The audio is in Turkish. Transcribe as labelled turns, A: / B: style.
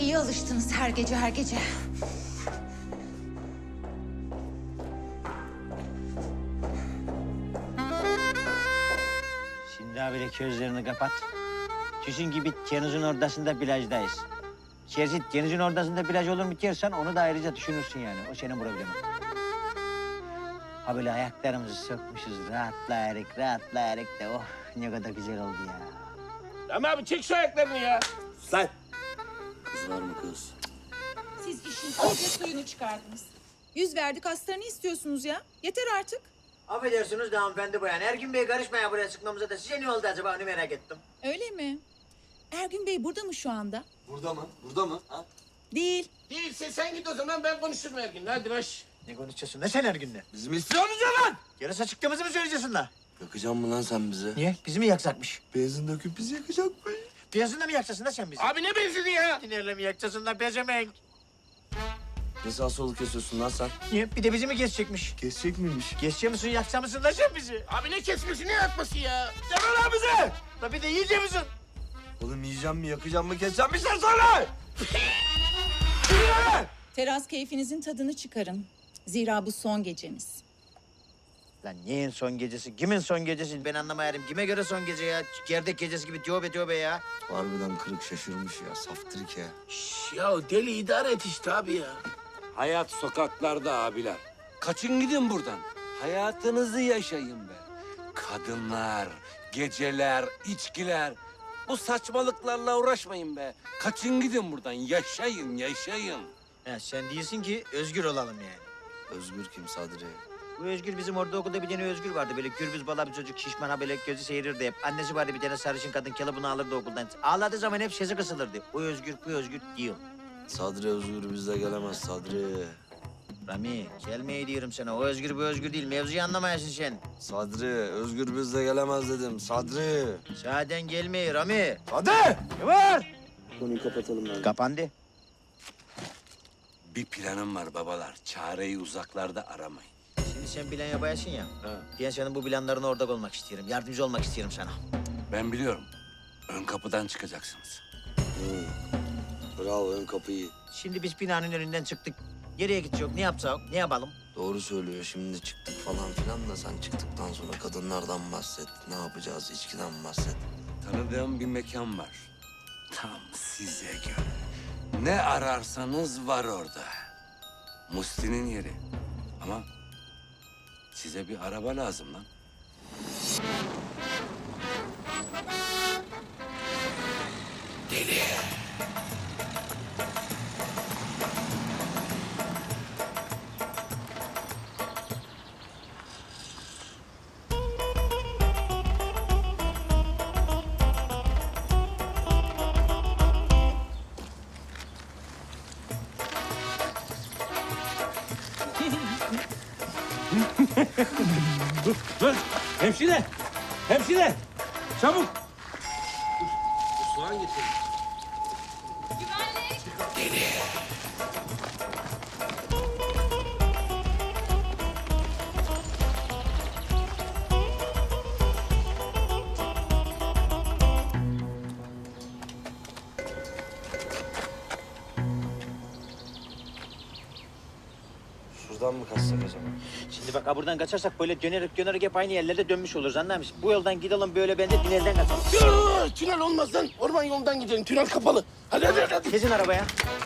A: İyi alıştınız her gece her gece.
B: Şimdi abiyle gözlerini kapat. Düşün gibi denizin ortasında plajdayız. Şerzit denizin ortasında plaj olur mu dersen onu da ayrıca düşünürsün yani. O senin problemin. Ha böyle ayaklarımızı sökmüşüz rahatlayarak da oh ne kadar güzel oldu ya.
C: Ama abi çek şu ayaklarını ya.
D: Lan! Kız var mı kız?
E: Siz işin iyice suyunu çıkardınız. Yüz verdik astarını istiyorsunuz ya. Yeter artık.
B: Affedersiniz de hanımefendi bayan. Ergün Bey karışmaya buraya sıkmamıza da size ne oldu acaba onu merak ettim.
E: Öyle mi? Ergün Bey burada mı şu anda?
D: Burada mı? Burada mı? Ha?
E: Değil.
C: Değilse sen git o zaman ben konuşurum Ergin'le. Hadi baş.
B: Ne konuşuyorsun ne sen Ergün'le?
D: Bizim istiyorsunuz ya lan!
B: Yarasa çıktığımızı mı söyleyeceksin la?
D: Yakacağım mı lan sen bizi?
B: Niye? Bizi mi yaksakmış?
D: Benzin döküp bizi yakacak mı?
B: Benzinle mi yakacaksın da sen bizi?
C: Abi ne benzedi ya?
B: Tinerle mi yakacaksın da bezemek?
D: Ne sağ solu kesiyorsun lan sen?
B: Niye? Bir de bizi mi kesecekmiş?
D: Kesecek miymiş?
B: Kesecek misin, yaksa mısın da sen bizi?
C: Abi ne kesmesi ne yatması ya?
B: Deme lan bizi! La bir de yiyecek misin?
D: Oğlum yiyeceğim mi, yakacağım mı, keseceğim mi sen söyle!
E: Teras keyfinizin tadını çıkarın. Zira bu son gecemiz.
B: Lan neyin son gecesi? Kimin son gecesi? Ben anlamayarım. Kime göre son gece ya? Gerdek gecesi gibi tövbe ya.
D: Harbiden kırık şaşırmış ya, saftirik ya.
C: Şş, ya deli idare et işte abi ya.
F: Hayat sokaklarda abiler. Kaçın gidin buradan. Hayatınızı yaşayın be. Kadınlar, geceler, içkiler. Bu saçmalıklarla uğraşmayın be. Kaçın gidin buradan. Yaşayın, yaşayın.
B: Ha, sen diyorsun ki özgür olalım yani.
D: Özgür kim Sadri?
B: Bu Özgür bizim orada okulda bir tane Özgür vardı. Böyle gürbüz bala bir çocuk şişman ha böyle gözü seyirdi hep. Annesi vardı bir tane sarışın kadın bunu alırdı okuldan. Ağladığı zaman hep sesi kısılırdı. O Özgür bu Özgür diyor.
D: Sadri Özgür bizde gelemez Sadri.
B: Rami gelmeye diyorum sana. O Özgür bu Özgür değil. Mevzuyu anlamayasın sen.
D: Sadri Özgür bizde gelemez dedim Sadri.
B: Zaten gelmiyor Rami.
D: Hadi!
B: Ne var?
D: Konuyu kapatalım ben.
B: Kapandı.
F: Bir planım var babalar. Çareyi uzaklarda aramayın.
B: Şimdi sen plan yapayasın ya. Ben senin bu planlarına ortak olmak istiyorum. Yardımcı olmak istiyorum sana.
F: Ben biliyorum. Ön kapıdan çıkacaksınız.
D: Bravo, ön kapıyı.
B: Şimdi biz binanın önünden çıktık. Nereye gidecek? Ne yapacak? Ne yapalım?
D: Doğru söylüyor. Şimdi çıktık falan filan da sen çıktıktan sonra kadınlardan bahset. Ne yapacağız? İçkiden bahset.
F: Tanıdığım bir mekan var. Tam size göre. Ne ararsanız var orada. Musti'nin yeri. Ama size bir araba lazım lan.
C: Dur hemşire. Hemşire. Çabuk. Soğan getir.
D: Şuradan mı kaçsak acaba?
B: Şimdi bak ha buradan kaçarsak böyle dönerek hep aynı yerlerde dönmüş oluruz anlar mısın? Bu yoldan gidelim böyle ben de tünelden kaçalım.
C: Tünel olmaz lan. Orman yolundan gidelim. Tünel kapalı. Hadi.
B: Kesin arabaya.